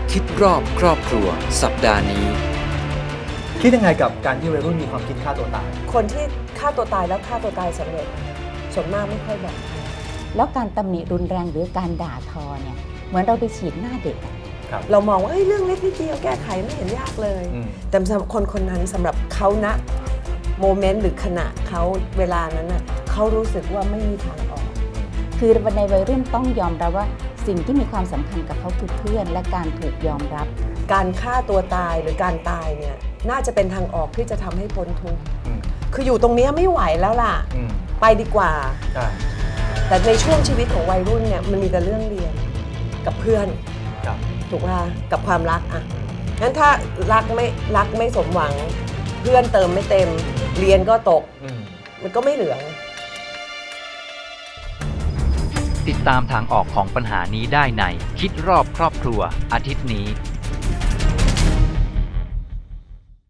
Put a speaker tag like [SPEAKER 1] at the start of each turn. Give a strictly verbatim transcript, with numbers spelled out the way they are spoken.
[SPEAKER 1] คิดรอบครอบครัวสัปดาห์นี้
[SPEAKER 2] คิดยังไงกับการที่วัยรุ่นมีความคิดฆ่าตัวตาย
[SPEAKER 3] คนที่ฆ่าตัวตายแล้วฆ่าตัวตายสำเร็จส่วนมากไม่ค่อยบอก
[SPEAKER 4] แล้วการตำหนิรุนแรงหรือการด่าทอเนี่ยเหมือนเราไปฉีดหน้าเด็กอะ
[SPEAKER 2] ครับ
[SPEAKER 3] เรามองว่าเฮ้ยเรื่องเล็กนิดเดียวแก้ไขไม่เห็นยากเลย
[SPEAKER 2] อืม
[SPEAKER 3] แต่สำหรับคนคนนั้นสำหรับเขาณโมเมนต์หรือขณะเขาเวลานั้นน่ะเขารู้สึกว่าไม่มีทางออก
[SPEAKER 4] คือในวัยรุ่นต้องยอมรับว่าสิ่งที่มีความสำคัญกับเขาคือเพื่อนและการถูกยอมรับ
[SPEAKER 3] การฆ่าตัวตายหรือการตายเนี่ยน่าจะเป็นทางออกที่จะทำให้พ้นทุกข์
[SPEAKER 2] อืม
[SPEAKER 3] คืออยู่ตรงเนี้ยไม่ไหวแล้วล่ะ
[SPEAKER 2] อืม
[SPEAKER 3] ไปดีกว่า
[SPEAKER 2] อ่า
[SPEAKER 3] แต่ในช่วงชีวิตของวัยรุ่นเนี่ยมันมีแต่เรื่องเรียนกับเพื่อน
[SPEAKER 2] ครับ
[SPEAKER 3] ถูกป่ะกับความรักอ่ะงั้นถ้ารักไม่รักไม่สมหวัง เพื่อนเติมไม่เต็ม เรียนก็ตก
[SPEAKER 2] อืม
[SPEAKER 3] มันก็ไม่เหลือ
[SPEAKER 5] ติดตามทางออกของปัญหานี้ได้ในคิดรอบครอบครัวอาทิตย์นี้